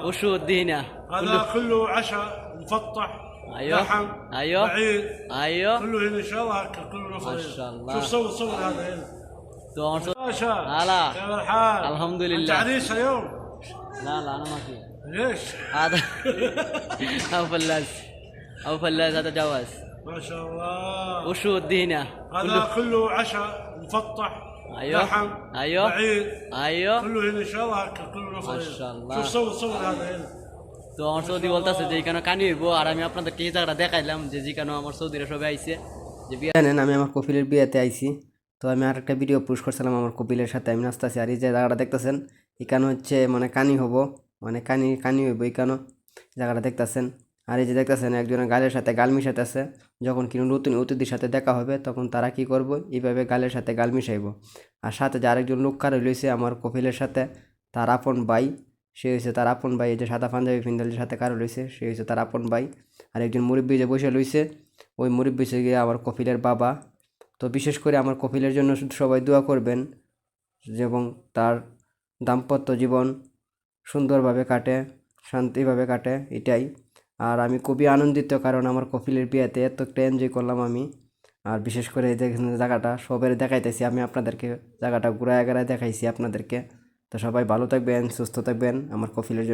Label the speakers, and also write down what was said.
Speaker 1: وشو ادينا
Speaker 2: هذا كله عشاء مفطح.
Speaker 1: ايوه
Speaker 2: لحم.
Speaker 1: ايوه
Speaker 2: بعيد.
Speaker 1: ايوه
Speaker 2: كله هنا ان شاء الله هكا كله نفر.
Speaker 1: ما شاء الله.
Speaker 2: شوف صور هذا هنا. باشا.
Speaker 1: هلا.
Speaker 2: كيف الحال؟
Speaker 1: الحمد
Speaker 2: انت
Speaker 1: لله.
Speaker 2: عريس اليوم؟
Speaker 1: لا لا انا ما في.
Speaker 2: ليش؟
Speaker 1: هذا او فلاس او فلاس هذا جواز.
Speaker 2: ما شاء الله.
Speaker 1: وشو ادينا
Speaker 2: هذا كله عشاء مفطح.
Speaker 1: ايوه
Speaker 2: لحم.
Speaker 1: ايوه
Speaker 2: بعيد.
Speaker 1: ايوه
Speaker 2: كله هنا ان شاء الله هكا كله نفر.
Speaker 1: ما شاء الله.
Speaker 2: شوف صور هذا هنا.
Speaker 1: তো আমার সৌদি বলতেছে যে এখানে কানি হইব আর আমি আপনাদেরকে এই জায়গাটা দেখাইলাম যে যেখানে আমার সৌদিরা সবাই আইছে যে বিয়ে
Speaker 3: জানেন আমি আমার কপিলের বিয়েতে আইছি। তো আমি আর একটা ভিডিও পোস্ট করছিলাম আমার কপিলের সাথে আমি নাচতেছি। আর এই যে জায়গাটা দেখতেছেন এখানে হচ্ছে মানে কানি হবো, মানে কানি হইব এখানে জায়গাটা দেখতেছেন। আর এই যে দেখতেছেন একজনের গালের সাথে গাল মিশাইতেছে। যখন কোনো নতুন অতিথির সাথে দেখা হবে তখন তারা কি করব, এইভাবে গালের সাথে গাল মিশাইব। আর সাথে যে আরেকজন লোক কার রয়েছে আমার কপিলের সাথে তার আপন ভাই, সে হয়েছে তার আপন ভাই। এই যে সাদা পাঞ্জাবি পিন্দালের সাথে কারো রয়েছে সে হয়েছে তার আপন ভাই। আর একজন মুরব্বী যে বসে রয়েছে ওই মুরব্বী হচ্ছে গিয়ে আমার কপিলের বাবা। তো বিশেষ করে আমার কপিলের জন্য সবাই দোয়া করবেন এবং তার দাম্পত্য জীবন সুন্দরভাবে কাটে, শান্তিভাবে কাটে, এটাই। আর আমি খুবই আনন্দিত কারণ আমার কপিলের বিয়েতে এত একটা এনজয় করলাম আমি। আর বিশেষ করে এই যে জায়গাটা সবাই দেখাইতেছি আমি আপনাদেরকে, জায়গাটা ঘুরায় দেখাইছি আপনাদেরকে। তো সবাই ভালো থাকবেন, সুস্থ থাকবেন আমার কপিলের জন্য।